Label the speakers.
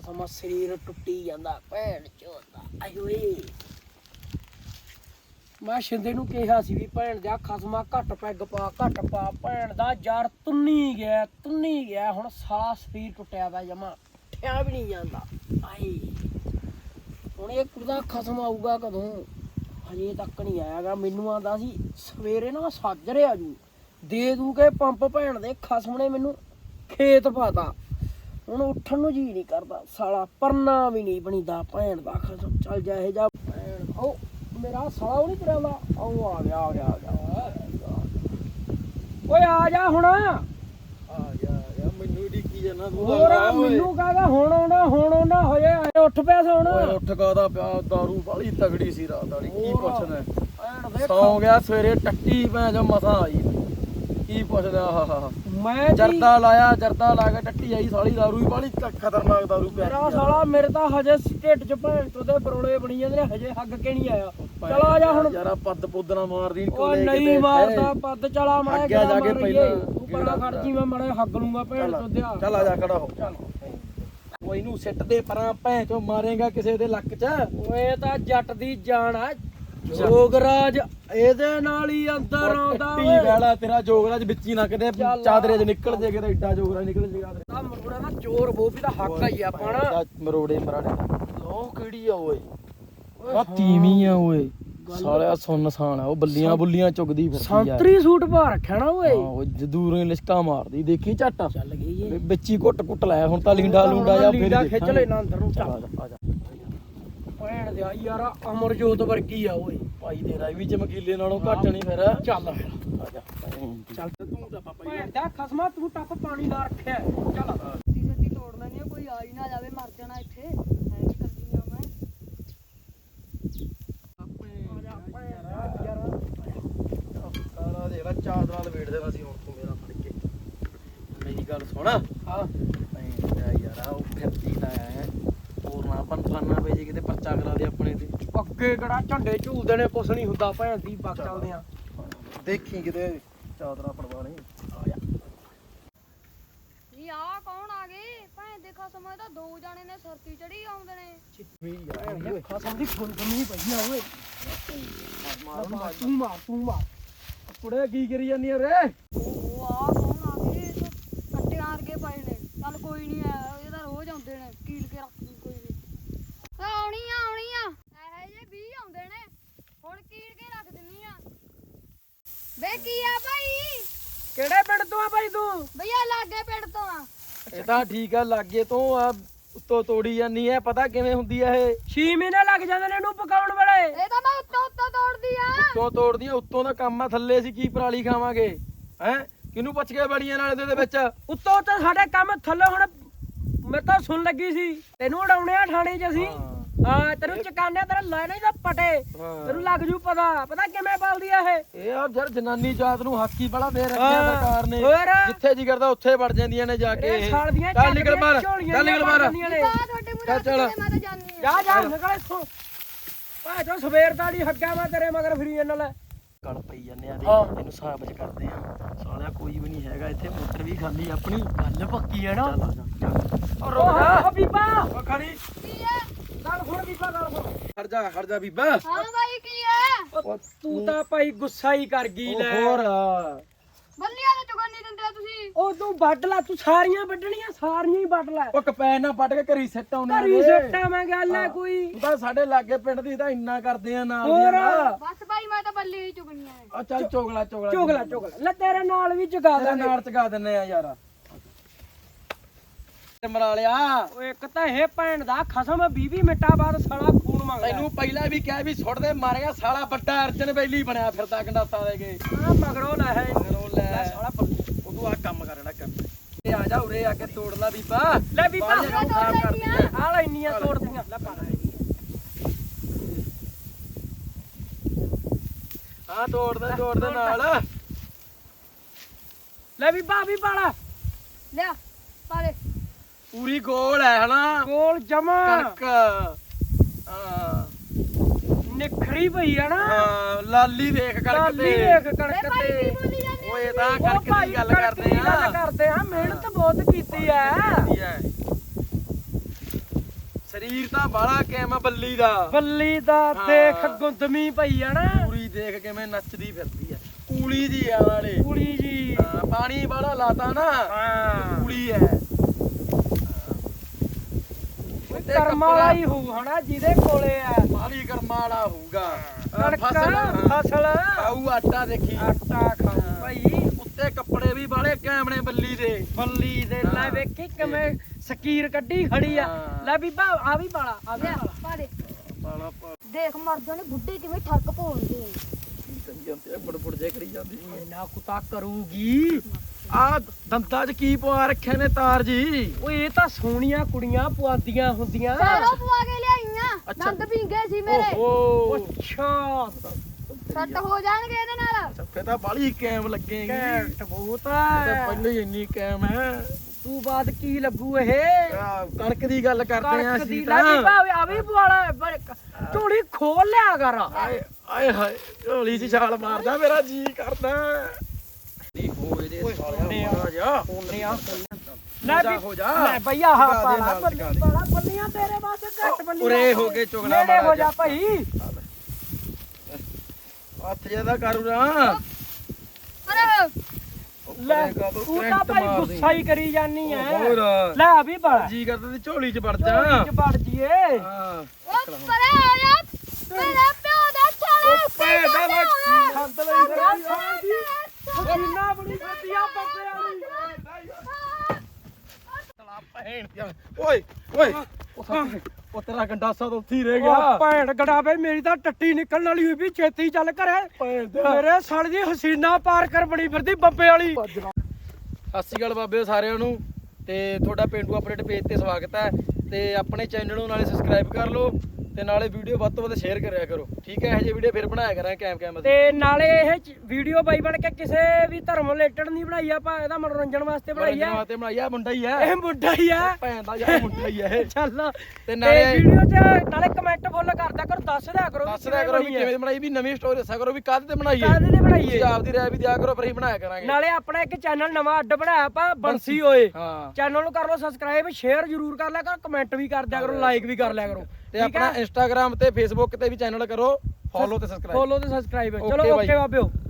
Speaker 1: ਖਸਮ ਸਰੀਰ ਟੁੱਟੀ ਜਾਂਦਾ ਭੈਣ ਚੋਦਾ ਆਏ ਓਏ ਮੈਂ ਸ਼ਿੰਦੇ ਨੂੰ ਕਿਹਾ ਸੀ ਵੀ ਭੈਣ ਦਾ ਖਸਮਾ ਘੱਟ ਪੈਗ ਪਾ ਘੱਟ ਪਾ ਭੈਣ ਦਾ ਯਾਰ ਤੁੰਨੀ ਗਿਆ ਹੁਣ ਸਾਲਾ ਸਰੀਰ ਟੁੱਟਿਆ ਵਾ ਜਮਾ ਉੱਠਿਆ ਵੀ ਨਹੀਂ ਜਾਂਦਾ ਆਏ ਹੁਣ ਇਹ ਕੁੜਦਾ ਖਸਮ ਆਊਗਾ ਕਦੋਂ ਹਜੇ ਤੱਕ ਨਹੀਂ ਆਇਆਗਾ ਮੈਨੂੰ ਆਂਦਾ ਸੀ ਸਵੇਰੇ ਨਾ ਸਾਜਰੇ ਆ ਜੂ ਦੇ ਦੂ ਕੇ ਪੰਪ ਭੈਣ ਦੇ ਖਸਮ ਨੇ ਮੈਨੂੰ ਖੇਤ ਪਾਤਾ ਹੁਣ ਉੱਠਣ ਨੂੰ ਜੀ ਨਹੀਂ ਕਰਦਾ ਸਾਲਾ ਪਰਨਾ ਵੀ ਨਹੀਂ ਬਣੀਦਾ ਭੈਣ ਦਾ ਖਸਮ ਚੱਲ ਜਾ ਇਹ ਜਾ ਭੈਣ ਉਹ ਮੇਰਾ ਸਾਲਾ ਉਹ ਨਹੀਂ ਤੁਰਿਆ ਵਾ ਉਹ ਆ ਗਿਆ ਓਏ ਆ ਜਾ ਹੁਣ
Speaker 2: ਮੈਨੂੰ ਢੀਕੀ ਜਾਣਾ ਤੂੰ
Speaker 1: ਹੋਰ ਮੈਨੂੰ ਕਹਦਾ ਹੁਣ ਆਉਣਾ ਹੋਏ ਉੱਠ ਪਿਆ ਸੌਣ
Speaker 2: ਓਏ ਉੱਠ ਕਾਦਾ ਪਿਆ ਦਾਰੂ ਬਾਲੀ ਤਗੜੀ ਸੀ ਰਾਤ ਵਾਲੀ ਕੀ ਪੁੱਛਦਾ
Speaker 1: ਭੈਣ ਦੇ
Speaker 2: ਸੌ ਗਿਆ ਸਵੇਰੇ ਟੱਟੀ ਭੈਣ ਜੋ ਮਸਾਂ ਆਈ ਕੀ ਪੁੱਛਦਾ ਆਹਾ
Speaker 1: ਮੈਂ
Speaker 2: ਜਰਦਾ ਲਾ ਕੇ ਟੱਟੀ ਆਈ ਸਾਲੀ ਦਾਰੂ ਹੀ ਬਾਲੀ ਖਤਰਨਾਕ ਦਾਰੂ ਪਿਆ
Speaker 1: ਮੇਰਾ ਸਾਲਾ ਮੇਰੇ ਤਾਂ ਹਜੇ ਢਿੱਡ ਚ ਭੈਣ ਤੋਂ ਦੇ ਬਰੋਲੇ ਬਣੀ ਜਾਂਦੇ ਨੇ ਹਜੇ ਹੱਗ ਕੇ ਨਹੀਂ ਆਇਆ ਚਲ ਆ ਜਾ ਹੁਣ
Speaker 2: ਯਾਰਾ ਪੱਦ ਪੁੱਦਣਾ ਮਾਰਦੀ
Speaker 1: ਓ ਨਹੀਂ ਮਾਰਦਾ ਪੱਦ ਚਲਾ ਮੈਂ
Speaker 2: ਅੱਗੇ ਜਾ ਕੇ ਪਹਿਲਾਂ
Speaker 1: ਤੂੰ ਪਰਾਂ ਖੜ ਜੀ ਮੈਂ ਮੜੇ ਹੱਗ ਲੂੰਗਾ ਭੈਣ ਤੋਂ ਦਿਆ
Speaker 2: ਚੱਲ ਆ ਜਾ ਖੜਾ ਹੋ ਚੱਲ ਓਏ ਇਹਨੂੰ ਸਿੱਟ ਦੇ ਪਰਾਂ ਭੈਣ ਚੋਂ ਮਾਰੇਗਾ ਕਿਸੇ ਦੇ ਲੱਕ 'ਚ
Speaker 1: ਓਏ ਤਾਂ ਜੱਟ ਦੀ ਜਾਨ ਆ ਜੋਗਰਾਜ ਇਹਦੇ ਨਾਲ ਹੀ ਅੰਦਰ ਆਉਂਦਾ
Speaker 2: ਟੀ ਵਾਲਾ ਤੇਰਾ ਜੋਗਰਾਜ ਵਿੱਚ ਹੀ ਨਾ ਕਿਤੇ ਚਾਦਰੇ 'ਚ ਨਿਕਲ ਜੇ ਕਿਤੇ ਏਡਾ ਜੋਗਰਾਜ ਨਿਕਲ ਜੇਗਾ
Speaker 1: ਆ ਮਰੋੜਾ ਨਾ ਚੋਰ ਬੋਬੀ ਦਾ ਹੱਕ ਹੀ ਆ ਪਾਣਾ
Speaker 2: ਮਰੋੜੇ ਮਰਾੜੇ ਲੋ ਕਿਹੜੀ ਆ ਓਏ ਆ ਤੀਵੀਂ ਆ ਓਏ ਸਾਲਿਆ ਸੁੰਨਸਾਨ ਆ ਉਹ ਬੁੱਲੀਆਂ ਚੁਗਦੀ ਫਿਰਦੀ ਆ
Speaker 1: ਸੰਤਰੀ ਸੂਟ ਪਾ ਰੱਖਿਆ ਨਾ ਓਏ
Speaker 2: ਹਾਂ ਉਹ ਦੂਰੋਂ ਹੀ ਲਿਸ਼ਕਾ ਮਾਰਦੀ ਦੇਖੀ ਝੱਟ
Speaker 1: ਚੱਲ ਗਈ ਏ
Speaker 2: ਵਿੱਚ ਹੀ ਘੁੱਟ ਲੈ ਹੁਣ ਤਾਂ ਲੀਂਡਾ ਲੂੰਡਾ ਜਾ ਫਿਰ
Speaker 1: ਖਿੱਚ ਲੈਣਾ ਅੰਦਰ ਨੂੰ ਚੱਲ
Speaker 2: ਆ ਜਾ
Speaker 1: ਭੈਣ ਦੇ ਯਾਰ ਅਮਰਜੋਤ ਵਰਗੀ ਆ ਓਏ
Speaker 2: ਭਾਈ ਤੇਰਾ ਵੀ ਚਮਕੀਲੇ ਨਾਲੋਂ ਘੱਟ ਨਹੀਂ ਫਿਰ
Speaker 1: ਚੱਲ
Speaker 2: ਆ ਜਾ
Speaker 1: ਚੱਲ ਤੂੰ ਤਾਂ ਭੈਣ ਦਾ ਖਸਮਾ ਤੂੰ ਟੱਪ ਪਾਣੀ ਲਾ ਰੱਖਿਆ ਚੱਲ
Speaker 3: ਸੱਤੀ ਤੋੜ ਲੈਣੀ ਆ ਕੋਈ ਆ ਹੀ ਨਾ ਜਾਵੇ ਮਰ ਜਾਣਾ ਇੱਥੇ ਐ ਨਹੀਂ ਕਰਦੀ ਆ ਮੈਂ
Speaker 2: ਕਾਲਾ ਦੇਖ ਲੈ ਚਾਦਰਾਂ ਲਵੇੜ ਦੇਣਾ ਸੀ ਹੁਣ ਤੂੰ ਮੇਰਾ ਫੜ ਕੇ ਮੇਰੀ ਗੱਲ ਸੁਣ
Speaker 1: ਹਾਂ
Speaker 2: ਯਾਰਾ ਉਹ ਫਿਰਦੀ ਨਾ ਹੈ ਹੋਰ ਨਾ ਫਾਨਾ ਪੈ ਜੇ ਕਿਤੇ ਪਰਚਾ ਕਰਾ ਦੇ ਆਪਣੇ ਤੇ
Speaker 1: ਅੱਗੇ ਕਿਹੜਾ ਝੰਡੇ ਝੂਲਦੇ ਨੇ ਕੁਛ ਨਹੀਂ ਹੁੰਦਾ ਭੈਣ ਦੀ ਪੱਕ ਚੱਲਦੇ ਆ
Speaker 2: ਦੇਖੀ ਕਿਤੇ ਚਾਦਰਾਂ ਪੜਵਾ ਲਈ ਆ ਜਾ
Speaker 3: ਜੀ ਆ ਕੌਣ ਆ ਗਏ ਭੈਣ ਦੇਖਾ ਸਮਾਂ ਤਾਂ ਦੋ ਜਾਣੇ ਨੇ ਸਰਤੀ ਚੜੀ ਆਉਂਦੇ ਨੇ
Speaker 1: ਖਸਮ ਦੀ ਫੁੱਲ ਕਮੀ ਪਈ ਆ ਓਏ ਤੂੰ ਮਾਰ
Speaker 2: ਕੁੜੇ ਕੀ ਕਰੀ ਜਾਂਦੀ ਰੇ
Speaker 3: ਉਹ ਆ ਕੌਣ ਆ ਗਏ ਇਹ ਤਾਂ ਕੱਟਿਆਂ ਵਰਗੇ ਪਏ ਨੇ ਚੱਲ ਕੋਈ ਨਹੀਂ ਇਹ ਤਾਂ ਰੋਜ਼ ਆਉਂਦੇ ਨੇ ਕੀਲ ਕੇ ਰੱਖ ਦੂੰ ਕੋਈ ਨਹੀਂ ਆਉਣੀ ਆ ਇਹ ਜੇ 20 ਆਉਂਦੇ ਨੇ ਹੁਣ ਕੀਲ ਕੇ ਰੱਖ ਦਿੰਨੀ ਆ ਵੇ ਕੀ ਆ ਭਾਈ
Speaker 1: ਕਿਹੜੇ ਪਿੰਡ ਤੋਂ ਆ ਭਾਈ ਤੂੰ
Speaker 3: ਭਈਆ ਲਾਗੇ ਪਿੰਡ ਤੋਂ ਆ
Speaker 2: ਇਹ ਤਾਂ ਠੀਕ ਆ ਲਾਗੇ ਤੋਂ ਆ ਉੱਤੋਂ ਤੋੜੀ ਜਾਂਦੀ ਐ ਪਤਾ ਕਿਵੇਂ ਹੁੰਦੀ ਐ ਇਹ
Speaker 1: 6 ਮਹੀਨੇ ਲੱਗ ਜਾਂਦੇ ਨੇ ਇਹਨੂੰ ਪਕਾਉਣ ਵੇਲੇ
Speaker 3: ਇਹ ਤਾਂ ਮੈਂ ਉੱਤੋਂ ਤੋੜਦੀ ਆ
Speaker 2: ਉੱਤੋਂ ਤੋੜਦੀ ਆ ਉੱਤੋਂ ਦਾ ਕੰਮ ਆ ਥੱਲੇ ਅਸੀਂ ਕੀ ਪਰਾਲੀ ਖਾਵਾਂਗੇ ਹੈ ਕਿਹਨੂੰ ਪੁੱਛ ਕੇ ਬੜੀਆਂ ਨਾਲੇ ਦੇ ਵਿੱਚ
Speaker 1: ਉੱਤੋਂ ਤਾਂ ਸਾਡੇ ਕੰਮ ਥੱਲੇ ਹੁਣ ਮੈਂ ਤਾਂ ਸੁਣ ਲੱਗੀ ਸੀ ਤੈਨੂੰ ਉਡਾਉਣੇ ਆ ਥਾਣੇ 'ਚ ਅਸੀਂ ਹਾਂ ਤੈਨੂੰ ਚਕਾਨੇ ਤੇਰਾ ਲੈ ਨਹੀਂ ਤਾਂ ਪਟੇ ਤੈਨੂੰ ਲੱਗ ਜੂ ਪਤਾ ਕਿਵੇਂ ਬਲਦੀ ਆ ਇਹ
Speaker 2: ਆ ਯਾਰ ਜਨਾਨੀ ਜਾਤ ਨੂੰ ਹਾਕੀ ਬੜਾ ਦੇ ਰੱਖਿਆ ਸਰਕਾਰ ਨੇ
Speaker 1: ਹੋਰ
Speaker 2: ਜਿੱਥੇ ਜੀ ਕਰਦਾ ਉੱਥੇ ਵੜ ਜਾਂਦੀਆਂ ਨੇ ਜਾ ਕੇ
Speaker 1: ਇਹ ਸਾਲ ਦੀਆਂ
Speaker 2: ਚੱਲ ਨਿਕਲ ਬਾਹਰ ਚੱਲ ਨਿਕਲ ਬਾਹਰ
Speaker 3: ਆ ਤੁਹਾਡੇ ਮੂਹਰੇ
Speaker 2: ਚੱਲ।
Speaker 3: ਮੈਂ ਤਾਂ ਜਾਣੀ ਆ
Speaker 1: ਜਾ ਨਿਕਲ ਇੱਥੋਂ ਭਾਜੋ ਸਵੇਰ ਦਾ ਦੀ ਹੱਗਾ ਮੈਂ ਤੇਰੇ ਮਗਰ ਫਰੀ ਇਹਨਾਂ ਲੈ
Speaker 2: ਗਲ ਪਈ ਜਾਂਦੇ ਆ
Speaker 1: ਹਾਂ।
Speaker 2: ਇਹਨੂੰ ਸਾਬਜ ਕਰਦੇ ਆ ਸਾਲਿਆ ਕੋਈ ਵੀ ਨਹੀਂ ਹੈਗਾ ਇੱਥੇ ਮੋਟਰ ਵੀ ਖਾਲੀ ਆਪਣੀ
Speaker 1: ਗੱਲ ਪੱਕੀ ਹੈ ਨਾ
Speaker 2: ਚੱਲ ਆ ਜਾ ਚੱਲ
Speaker 1: ਓ ਬੀਬਾ
Speaker 2: ਓ ਖੜੀ
Speaker 3: ਕੀ ਹੈ
Speaker 1: ਗੱਲ ਸੁਣ ਬੀਬਾ ਗੱਲ ਸੁਣ
Speaker 2: ਖੜ ਜਾ ਬੀਬਾ
Speaker 3: ਹਾਂ ਬਾਈ ਕੀ ਹੈ
Speaker 1: ਤੂੰ ਤਾਂ ਭਾਈ ਗੁੱਸਾ ਹੀ ਕਰ ਗਈ ਲੈ
Speaker 2: ਹੋਰ
Speaker 3: ਬੱਲੀਆਂ ਤਾਂ ਚੁਗਣ ਨਹੀਂ ਦਿੰਦੇ ਤੁਸੀਂ
Speaker 1: ਉਹ ਤੂੰ ਵੱਢ ਲੈ ਤੂੰ ਸਾਰੀਆਂ ਵੱਢਣੀਆਂ ਸਾਰੀਆਂ ਹੀ ਵੱਢ ਲੈ
Speaker 2: ਉਹ ਕਪੈਨ ਨਾਲ ਪੱਟ ਕੇ ਘਰੀ ਸਿੱਟ ਆਉਂਦੇ
Speaker 1: ਘਰੀ ਸੱਟਾ ਮੈਂ ਗੱਲ ਹੈ ਕੋਈ
Speaker 2: ਤੂੰ ਤਾਂ ਸਾਡੇ ਲਾਗੇ ਪਿੰਡ ਦੀ ਤਾਂ ਇੰਨਾ ਕਰਦੇ ਆ ਨਾਲ
Speaker 1: ਹੋਰ
Speaker 3: ਬਸ ਬਾਈ ਮੈਂ ਤਾਂ ਬੱਲੀ ਹੀ ਚੁਗਣੀਆਂ ਨੇ
Speaker 2: ਆ ਚੱਲ ਚੋਗਲਾ
Speaker 1: ਚੁਗਲਾ ਲੈ ਤੇਰੇ ਨਾਲ ਵੀ ਚੁਗਾ
Speaker 2: ਤੇਰੇ
Speaker 1: ਦਾਂਗੇ
Speaker 2: ਨਾਲ ਚਗਾ ਦਿੰਨੇ ਆ ਯਾਰ ਮਰਾ ਲਿਆ
Speaker 1: ਓਏ ਇੱਕ ਤਾਂ ਇਹ ਭੈਣ ਦਾ ਖਸਮ 20 ਮਿੰਟਾਂ ਬਾਅਦ ਸਾਲਾ ਖੂਨ ਮੰਗਦਾ
Speaker 2: ਤੈਨੂੰ ਪਹਿਲਾਂ ਵੀ ਕਿਹਾ ਵੀ ਸੁੱਟ ਦੇ ਮਾਰੇਗਾ ਸਾਲਾ ਵੱਡਾ ਅਰਜਨ ਬੈਲੀ ਬਣਿਆ ਫਿਰਦਾ ਗੰਡਾਸਾ ਦੇ ਕੇ
Speaker 1: ਆ ਮਗਰੋਂ ਲੈ ਹੈ
Speaker 2: ਮਗਰੋਂ ਲੈ
Speaker 1: ਸਾਲਾ ਪੱਲੇ
Speaker 2: ਉਹ ਤੂੰ ਆ ਕੰਮ ਕਰਨਾ ਕਰ ਇਹ ਆ ਜਾ ਉਰੇ ਆ ਕੇ ਤੋੜ ਲਾ ਬੀਬਾ
Speaker 1: ਲੈ ਬੀਬਾ
Speaker 2: ਬਾਹਰ ਜਾ ਕੇ ਖਰਾਬ ਕਰਦੀ ਆ
Speaker 1: ਆ ਲੈ ਇੰਨੀਆਂ ਤੋੜਦੀਆਂ ਲੈ ਪਾ ਲੈ
Speaker 2: ਹਾਂ ਤੋੜ ਦੇ ਨਾਲ
Speaker 1: ਲੈ ਬੀਬਾ ਵੀ ਪਾਲਾ
Speaker 3: ਲਿਆ ਪਾਲੇ
Speaker 2: ਪੂਰੀ ਗੋਲ ਹੈ ਹਨਾ
Speaker 1: ਗੋਲ ਜਮਾ
Speaker 2: ਕਣਕ ਹਾਂ
Speaker 1: ਨਿਖੜੀ ਪਈ ਆ ਨਾ
Speaker 2: ਹਾਂ ਲਾਲੀ ਦੇਖ ਕਣਕ
Speaker 1: ਲਾਲੀ
Speaker 2: ਤੇ
Speaker 1: ਦੇਖ
Speaker 3: ਇਹ
Speaker 1: ਕਣਕ
Speaker 3: ਭਾਈ
Speaker 1: ਤੇ
Speaker 3: ਕੀ ਬੋਲੀ ਜਾਂਦੇ
Speaker 2: ਓਏ ਤਾਂ
Speaker 1: ਉਹ
Speaker 2: ਕਣਕ
Speaker 1: ਭਾਈ
Speaker 2: ਦੀ ਗੱਲ
Speaker 1: ਕਣਕ
Speaker 2: ਕਰਦੇ
Speaker 1: ਦੀ ਗੱਲ
Speaker 2: ਆ
Speaker 1: ਕਰਦੇ ਆ ਮਿਹਨਤ ਬਹੁਤ ਕੀਤੀ ਆ
Speaker 2: ਸਰੀਰ ਤਾਂ ਬਾਲਾ ਕੈਮ ਬੱਲੀ ਦਾ
Speaker 1: ਬੱਲੀ ਦਾ
Speaker 2: ਹਾਂ।
Speaker 1: ਦੇਖ ਗੁੰਦਮੀ ਪਈ ਆ ਨਾ
Speaker 2: ਪੂਰੀ ਦੇਖ ਕਿਵੇਂ ਨੱਚਦੀ ਫਿਰਦੀ ਆ ਕੂਲੀ ਦੀ ਆ ਨਾਲੇ
Speaker 1: ਕੁੜੀ ਜੀ
Speaker 2: ਹਾਂ, ਪਾਣੀ ਬਾਲਾ ਲਾਤਾ ਨਾ
Speaker 1: ਹਾਂ
Speaker 2: ਕੂਲੀ ਹੈ
Speaker 1: ਕਰਮ ਵਾਲਾ ਹੀ ਹੋਊ ਹਨਾ ਜਿਹਦੇ ਕੋਲੇ ਆ
Speaker 2: ਮਾਲੀ ਕਰਮਾ ਵਾਲਾ ਹੋਊਗਾ
Speaker 1: ਕਣਕਾਂ ਫਸਲ
Speaker 2: ਖਾਊ ਆਟਾ ਦੇਖੀ
Speaker 1: ਆਟਾ ਖਾਊ ਭਾਈ
Speaker 2: ਉੱਤੇ ਕੱਪੜੇ ਵੀ ਬਾਲੇ ਕੈਮਣੇ ਬੱਲੀ ਦੇ
Speaker 1: ਬੱਲੀ ਦੇ ਲੈ
Speaker 2: ਹਾਂ।
Speaker 1: ਵੇਖੀ ਕਿਵੇਂ ਸਕੀਰ ਕੱਢੀ ਖੜੀ ਆ
Speaker 2: ਹਾਂ।
Speaker 1: ਲੈ ਬੀਬਾ ਆ ਵੀ ਬਾਲਾ ਆ ਵੀ
Speaker 3: ਲੈ
Speaker 1: ਬਾਲਾ
Speaker 3: ਪਾ ਦੇ
Speaker 2: ਬਾਲਾ ਪਾ
Speaker 3: ਦੇਖ ਮਰਦਾਂ ਨੇ ਬੁੱਢੇ ਕਿਵੇਂ ਠੱਕ ਪਾਉਂਦੇ ਨੇ
Speaker 2: ਕਰੀ ਜਾਂਦੇ ਬੜਬੜ ਜੇ ਕਰੀ ਜਾਂਦੀ
Speaker 1: ਇੰਨਾ ਕੁਤਾ ਕਰੂਗੀ
Speaker 2: ਆ ਦੰਦਾਂ 'ਚ ਕੀ ਪਵਾ ਰੱਖਿਆ ਨੇ ਤਾਰ ਜੀ
Speaker 1: ਓਏ ਇਹ ਤਾਂ ਸੋਹਣੀਆਂ ਕੁੜੀਆਂ ਪੁਆਂਦੀਆਂ ਹੁੰਦੀਆਂ
Speaker 3: ਸਾਰੋ ਪਵਾ ਕੇ ਲਿਆਈਆਂ
Speaker 2: ਅੱਛਾ।
Speaker 3: ਦੰਦ ਭਿੰਗੇ ਸੀ ਮੇਰੇ
Speaker 2: ਓਹੋ
Speaker 1: ਅੱਛਾ
Speaker 3: ਸੱਟ ਹੋ ਜਾਣਗੇ ਇਹਦੇ ਨਾਲ
Speaker 2: ਫੇ ਤਾਂ ਬਾਲੀ ਕੈਮ ਲੱਗੇਗੀ
Speaker 1: ਕੈਟ ਬਹੁਤ
Speaker 2: ਤਾਂ
Speaker 1: ਆ
Speaker 2: ਪਹਿਲਾਂ ਹੀ ਇੰਨੀ ਕੈਮ ਹੈ
Speaker 1: ਤੂੰ ਬਾਅਦ ਕੀ ਲੱਗੂ ਇਹ
Speaker 2: ਆਹ, ਕਣਕ ਦੀ ਗੱਲ ਕਰਦੇ ਆ
Speaker 1: ਕਣਕ ਦੀ
Speaker 2: ਅਸੀਂ
Speaker 1: ਲੈ
Speaker 2: ਤਾਂ
Speaker 1: ਬੀਬਾ ਆ ਵੀ ਬਵਾਲਾ ਝੋਲੀ ਖੋਲ ਲਿਆ ਕਰ
Speaker 2: ਆਏ ਆਏ ਹਾਏ ਢੋਲੀ 'ਚ ਛਾਲ ਮਾਰਦਾ ਮੇਰਾ ਜੀ ਕਰਦਾ ਦੀ ਹੋ ਇਹਦੇ ਸਾਲਿਆ ਮਾਰਾ ਜਾ
Speaker 1: ਲੈ ਵੀ
Speaker 2: ਹੋ ਜਾ
Speaker 1: ਲੈ ਭਈਆ ਹਾ
Speaker 2: ਟਿਕਾ ਦੇ
Speaker 1: ਪਾਲਾ
Speaker 2: ਨਾਲ, ਟਿਕਾ ਦੇ।
Speaker 1: ਪਾਲਾ ਬੱਲੀਆਂ ਤੇਰੇ ਵਾਸਤੇ ਘੱਟ ਬੱਲੀਆਂ
Speaker 2: ਉਰੇ ਹੋ ਕੇ ਚੁਗਲਾ
Speaker 1: ਨੇੜੇ
Speaker 2: ਮਾਰਾ
Speaker 1: ਹੋ ਜਾ ਭਾਈ
Speaker 2: ਹੱਥ ਜਿਆਦਾ ਕਰੂ ਨਾ
Speaker 3: ਅਰੇ
Speaker 1: ਲੈ ਤੂੰ ਤਾਂ ਭਾਈ ਗੁੱਸਾ ਹੀ ਕਰੀ ਜਾਨੀ ਐ
Speaker 2: ਹੋਰ
Speaker 1: ਲੈ ਆ ਵੀ ਬਾਲਾ
Speaker 2: ਜੀ ਕਰਦਾ ਤੇ ਝੋਲੀ 'ਚ ਵੜ ਜਾ
Speaker 1: ਝੋਲੀ ਚ ਵੜ ਜੀਏ
Speaker 2: ਹਾਂ
Speaker 3: ਉਹ ਪਰੇ ਆ ਜਾ ਮੇਰੇ ਪਿਓ ਦਾ ਛਾਲਾ
Speaker 2: ਭੈਣ ਦਾ ਲੱਗੀ ਸੰਤ ਲਈ ਫਿਰਦੀ
Speaker 1: ਕਿੰਨਾ ਬੜੀ ਖੱਤੀਆ ਬੱਬੇ ਵਾਲੀ
Speaker 2: ਤਲਾ ਭੈਣ ਦੀ ਓਏ ਓਏ ਉਹ ਤੇਰਾ ਗੰਡਾਸਾ ਤਾਂ ਉੱਥੇ ਹੀ ਰਹਿ
Speaker 1: ਉਹ
Speaker 2: ਗਿਆ
Speaker 1: ਭੈਣ ਗੜਾਵੇ ਮੇਰੀ ਤਾਂ ਟੱਟੀ ਨਿਕਲਣ ਵਾਲੀ ਹੋਈ ਵੀ ਛੇਤੀ ਚੱਲ ਘਰੇ
Speaker 2: ਭੈਣ
Speaker 1: ਮੇਰੇ ਸਾਲ ਦੀ ਹਸੀਨਾ ਪਾਰ ਕਰ ਬਣੀ ਫਿਰਦੀ ਬੱਬੇ ਵਾਲੀ
Speaker 2: ਸਤਿ ਸ਼੍ਰੀ ਅਕਾਲ ਬਾਬਿਓ ਸਾਰਿਆਂ ਨੂੰ ਤੇ ਤੁਹਾਡਾ ਪਿੰਡੂ ਅਪਡੇਟ ਪੇਜ ਤੇ ਸਵਾਗਤ ਹੈ ਤੇ ਆਪਣੇ ਚੈਨਲ ਨੂੰ ਨਾਲੇ ਸਬਸਕ੍ਰਾਈਬ ਕਰ ਲਓ ਤੇ ਨਾਲੇ ਵੀਡੀਓ ਵੱਧ ਤੋਂ ਵੱਧ ਸ਼ੇਅਰ ਕਰਿਆ ਕਰੋ ਠੀਕ ਹੈ ਇਹੋ ਜਿਹੇ ਵੀਡੀਓ ਫਿਰ ਬਣਾਇਆ ਕਰਾਂਗੇ ਕੈਮ
Speaker 1: ਤੇ ਨਾਲੇ ਇਹ ਵੀਡੀਓ ਬਾਈ ਬਣ ਕੇ ਕਿਸੇ ਵੀ ਧਰਮ ਰਿਲੇਟਡ ਨਹੀਂ ਬਣਾਈ ਆਪਾਂ ਇਹਦਾ ਮਨੋਰੰਜਨ ਵਾਸਤੇ ਬਣਾਈ ਆ
Speaker 2: ਤੇ ਬਣਾਇਆ ਮੁੰਡਾ ਹੀ ਹੈ
Speaker 1: ਇਹ ਮੁੰਡਾ ਹੀ ਆ
Speaker 2: ਭੈਣ ਦਾ ਯਾਰ ਮੁੰਡਾ ਹੀ ਹੈ ਇਹ
Speaker 1: ਚੱਲ
Speaker 2: ਤੇ ਨਾਲੇ
Speaker 1: ਵੀਡੀਓ 'ਚ ਨਾਲੇ ਕਮੈਂਟ ਫੁੱਲ ਕਰਦਾ ਕਰੋ ਦੱਸ ਦਿਆ ਕਰੋ
Speaker 2: ਦੱਸ ਦਿਆ ਕਰੋ ਵੀ ਕਿਵੇਂ ਦੀ ਬਣਾਈ ਵੀ ਨਵੀਂ ਸਟੋਰੀ ਦੱਸਿਆ ਕਰੋ ਵੀ ਕਾਹਦੇ ਤੇ ਬਣਾਈ ਹੈ
Speaker 1: ਕਾਹਦੇ ਤੇ ਬਣਾਈਏ
Speaker 2: ਤੁਸੀਂ ਆਪ ਦੀ ਰਾਏ ਵੀ ਦਿਆ ਕਰੋ ਫਿਰ ਅਸੀਂ ਬਣਾਇਆ ਕਰਾਂਗੇ
Speaker 1: ਨਾਲੇ ਆਪਣਾ ਇੱਕ ਚੈਨਲ ਨਵਾਂ ਅੱਡ ਬਣਾਇਆ ਆਪਾਂ ਬੰਸੀ ਓਏ
Speaker 2: ਹਾਂ
Speaker 1: ਚੈਨਲ ਨੂੰ ਕਰ ਲਓ ਸਬਸਕ੍ਰਾਈਬ ਸ਼ੇਅਰ ਜ਼ਰੂਰ ਕਰ ਲਿਆ ਕਰੋ ਕਮੈਂਟ ਵੀ ਕਰ ਦਿਆ ਕਰੋ ਲਾਈਕ ਵੀ ਕਰ ਲਿਆ ਕਰੋ
Speaker 2: ਤੇ ਆਪਣਾ ਇੰਸਟਾਗ੍ਰam ਤੇ ਫੇਸਬੁੱਕ ਤੇ ਵੀ ਚੈਨਲ ਕਰੋ ਫੋਲੋ ਤੇ ਸਬਸਕ੍ਰਾਈਬ
Speaker 1: ਫੋਲੋ ਤੇ ਸਬਸਕ੍ਰਾਈਬ
Speaker 2: Okay
Speaker 1: ਚਲੋ
Speaker 2: ਬਾਈ।
Speaker 1: ਓਕੇ ਬਾਬਿਓ